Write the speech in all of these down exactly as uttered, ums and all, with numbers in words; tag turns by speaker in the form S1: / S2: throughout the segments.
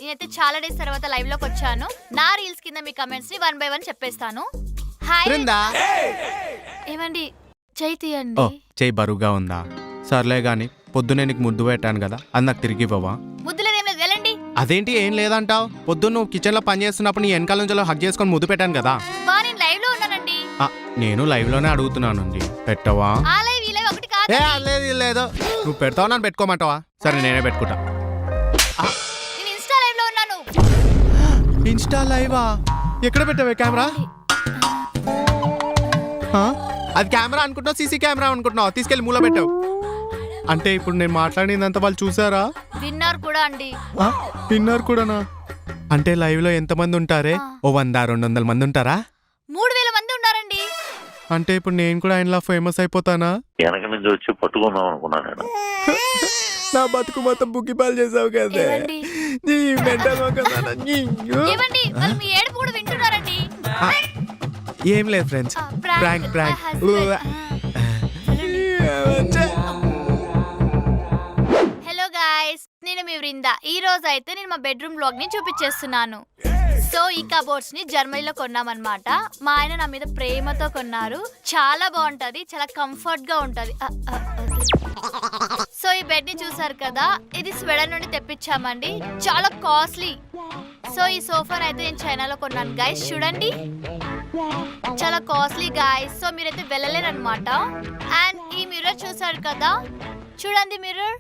S1: నేనైతే చాలా డేస్ తర్వాత లైవ్ లోకి వచ్చాను. నా రీల్స్ కింద మీ కమెంట్స్ ని వన్ బై వన్ చెప్పేస్తాను. హాయ్ ఏమండి చేయి తీయండి.
S2: చేయి బరువుగా ఉందా? సర్లే గాని పొద్దునే నీకు ముద్దు పెట్టాను కదా, అది నాకు తిరిగి ఇవ్వవా?
S1: ముద్దులేదేం లేదు, వెళ్ళండి.
S2: అదేంటి ఏం లేదంటావు? పొద్దున్న నువ్వు కిచెన్ లో పని చేస్తున్నప్పుడు నీ వెనకాల నుంచి హక్ చేసుకొని ముద్దు పెట్టాను కదా.
S1: బా నేను లైవ్ లో ఉన్నానండి.
S2: నేను లైవ్ లోనే అడుగుతున్నాను, పెట్టవా?
S1: ఆ లైవ్ ఈ లైవ్ ఒకటి కాదు.
S2: ఏ లేదు లేదు, నువ్వు పెడతావు నన్ను పెట్టుకోమంటావా? సరే నేనే పెట్టుకుంటా.
S1: నేను ఇన్స్టా లైవ్ లో ఉన్నాను.
S2: ఇన్స్టా లైవా? ఎక్కడ పెట్టావే కెమెరా? అది కెమెరా అనుకుంటున్నావు సీసీ కెమెరా అనుకుంటున్నావు? తీసుకెళ్లి మూల పెట్టావు. అంటే ఇప్పుడు నేను మాట్లాడిందంతా వాళ్ళు చూసారా?
S1: విన్నర్ కూడా అండి.
S2: విన్నర్ కూడానా? అంటే లైవ్ లో ఎంత మంది ఉంటారే? ఓ వంద రెండు వందల మంది ఉంటారా?
S1: మూడు వేల మంది ఉన్నారండి.
S2: అంటే ఇప్పుడు నేను కూడా ఆయనలా ఫేమస్ అయిపోతానా?
S3: వెనక నుంచి వచ్చి పట్టుకుందాం అనుకున్నా నేను.
S2: నా బతుకు మొత్తం బుగ్గిపాలు చేసావు కదా.
S1: ఏమండి వాళ్ళు మీ ఏడుపు కూడా వింటున్నారండి.
S2: ఏం లేదు friends, prank prank.
S1: Hello guys, నేను మీ వృంద. ఈ రోజు అయితే నేను మా బెడ్రూమ్ బ్లాగ్ ని చూపించేస్తున్నాను. సో ఈ కబోర్డ్స్ ని జర్మనీలో కొన్నామన్నమాట. మా ఆయన నా మీద ప్రేమతో కొన్నారు. చాలా బాగుంటది, చాలా కంఫర్ట్ గా ఉంటది. సో ఈ బెడ్ ని చూసారు కదా, ఇది స్వెడన్ నుండి తెప్పించామండి. చాలా కాస్ట్లీ. సో ఈ సోఫాని అయితే నేను చైనాలో కొన్నాను గైస్. చూడండి చాలా కాస్ట్లీ గైస్. సో మీరైతే వెళ్ళలేరు అనమాట. అండ్ ఈ మిర్రర్ చూసారు కదా, చూడండి మిర్రర్.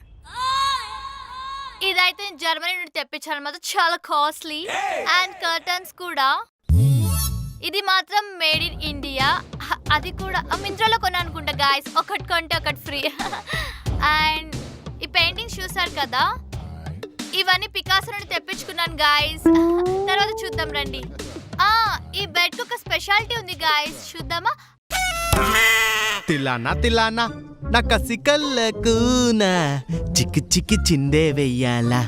S1: ఇదైతే జర్మనీ నుండి తెప్పించాను అనమాట. చాలా కాస్ట్లీ. అండ్ కర్టన్స్ కూడా, ఇది మాత్రం మేడ్ ఇన్ ఇండియా. అది కూడా మింత్రాలో కొన్నా అనుకుంటా గాయస్. ఒకటి కొంటే ఒకటి ఫ్రీ. అండ్ ఈ పెయింటింగ్స్ చూసారు కదా, ఇవన్నీ పికాసో నుండి తెప్పించుకున్నాను గాయస్. తర్వాత చూద్దాం రండి. ఆ ఈ బెడ్ కు ఒక స్పెషాలిటీ ఉంది గాయస్, చూద్దామా?
S2: తిల్లానా తిల్లానా నా కసికల్లకు చిక్కి చిక్కి చిందే వెయ్యాలా.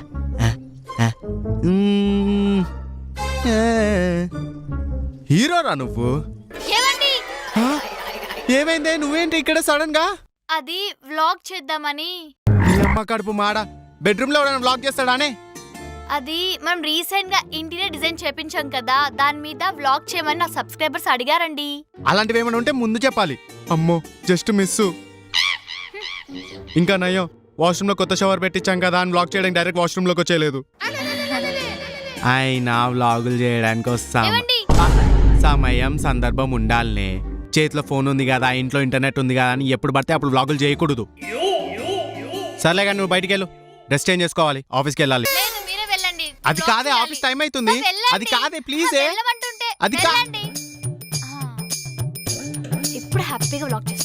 S2: హీరోరా నువ్వు?
S1: ఏమండి
S2: ఏమైందే? నువ్వేంటి ఇక్కడ సడన్ గా?
S1: అది వ్లాగ్ చేద్దామని.
S2: అమ్మ కడుపు మాడ, బెడ్రూమ్ లో ఎవరైనా వ్లాగ్ చేస్తాడానే?
S1: అది మనం రీసెంట్ గా ఇంటీరియర్ డిజైన్ చేపించాం కదా, దాని మీద వ్లాగ్ చేయమని నా సబ్స్క్రైబర్స్ అడిగారండి.
S2: అలాంటివి ఏమైనా ఉంటే ముందు చెప్పాలి. అమ్మో జస్ట్ మిస్. ఇంకా నయ్యో, వాష్రూమ్ లో కొత్త షవర్ పెట్టించాం కదా అని వ్లాగ్ చేయడానికి డైరెక్ట్ వాష్రూమ్ లోకి వచ్చేయలేదు. అయినా వ్లాగులు చేయడానికి వస్తాం, సమయం సందర్భం ఉండాలనే. చేతిలో ఫోన్ ఉంది కదా, ఇంట్లో ఇంటర్నెట్ ఉంది కదా అని ఎప్పుడు పడితే అప్పుడు వ్లాగులు చేయకూడదు. సర్లే కానీ నువ్వు బయటికి వెళ్ళు, డ్రెస్ చేంజ్ చేసుకోవాలి, ఆఫీస్కి వెళ్ళాలి. అది కాదే, ఆఫీస్ టైం అవుతుంది. అది కాదే ప్లీజ్, అది కాదే.
S1: ఇప్పుడు హ్యాపీగా వ్లాగ్